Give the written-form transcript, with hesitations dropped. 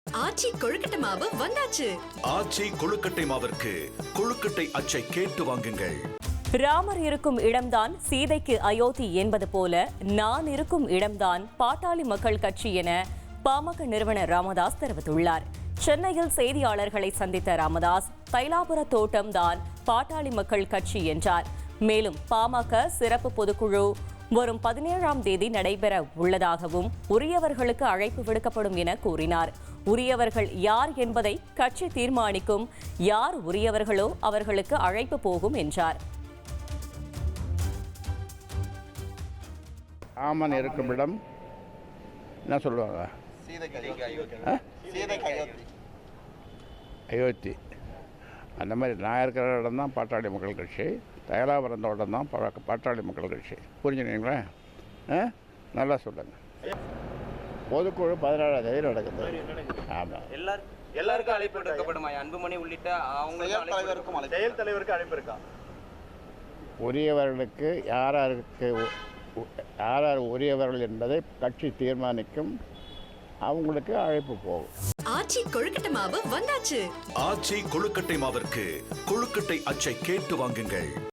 ஆச்சி கொழுக்கட்டை மாவு வந்தாச்சு. ஆச்சி கொழுக்கட்டை மாவிற்கு கொழுக்கட்டை அச்சை கேட்டு வாங்குங்கள். ராமர் இருக்கும் இடம்தான் சீதைக்கு அயோத்தி என்பது போல நான் இருக்கும் இடம்தான் பாட்டாளி மக்கள் கட்சி என பாமக நிறுவனர் ராமதாஸ் தெரிவித்துள்ளார். சென்னையில் செய்தியாளர்களை சந்தித்த ராமதாஸ் தைலாபுர தோட்டம் தான் பாட்டாளி மக்கள் கட்சி என்றார். மேலும் பாமக சிறப்பு பொதுக்குழு வரும் 17ஆம் தேதி நடைபெற உள்ளதாகவும் உரியவர்களுக்கு அழைப்பு விடுக்கப்படும் என கூறினார். உரியவர்கள் யார் என்பதை கட்சி தீர்மானிக்கும், யார் உரியவர்களோ அவர்களுக்கு அழைப்பு போகும் என்றார். ராமன் இருக்கும் இடம் என்ன சொல்லுவாங்க? அயோத்தி. அந்த மாதிரி நான் இருக்கிற இடம் தான் பாட்டாளி மக்கள் கட்சி, தைலாபுரம் தோட்டம் தான் பாட்டாளி மக்கள் கட்சி. புரிஞ்சுனீங்களா? நல்லா சொல்லுங்கள். பொதுக்குழு 17ஆம் தேதி நடக்குது. ஆமாம், எல்லாருக்கும் அழைப்பு விடுக்கப்படும். அன்புமணி உள்ளிட்ட செயல் தலைவருக்கு அழைப்பு இருக்கா? உரியவர்களுக்கு யார் உரியவர்கள் என்பதை கட்சி தீர்மானிக்கும், அவங்களுக்கு அழைப்பு போகும். ஆச்சி கொழுக்கட்டை மாவு வந்தாச்சு. ஆச்சி கொழுக்கட்டை மாவிற்கு கொழுக்கட்டை அச்சை கேட்டு வாங்குங்கள்.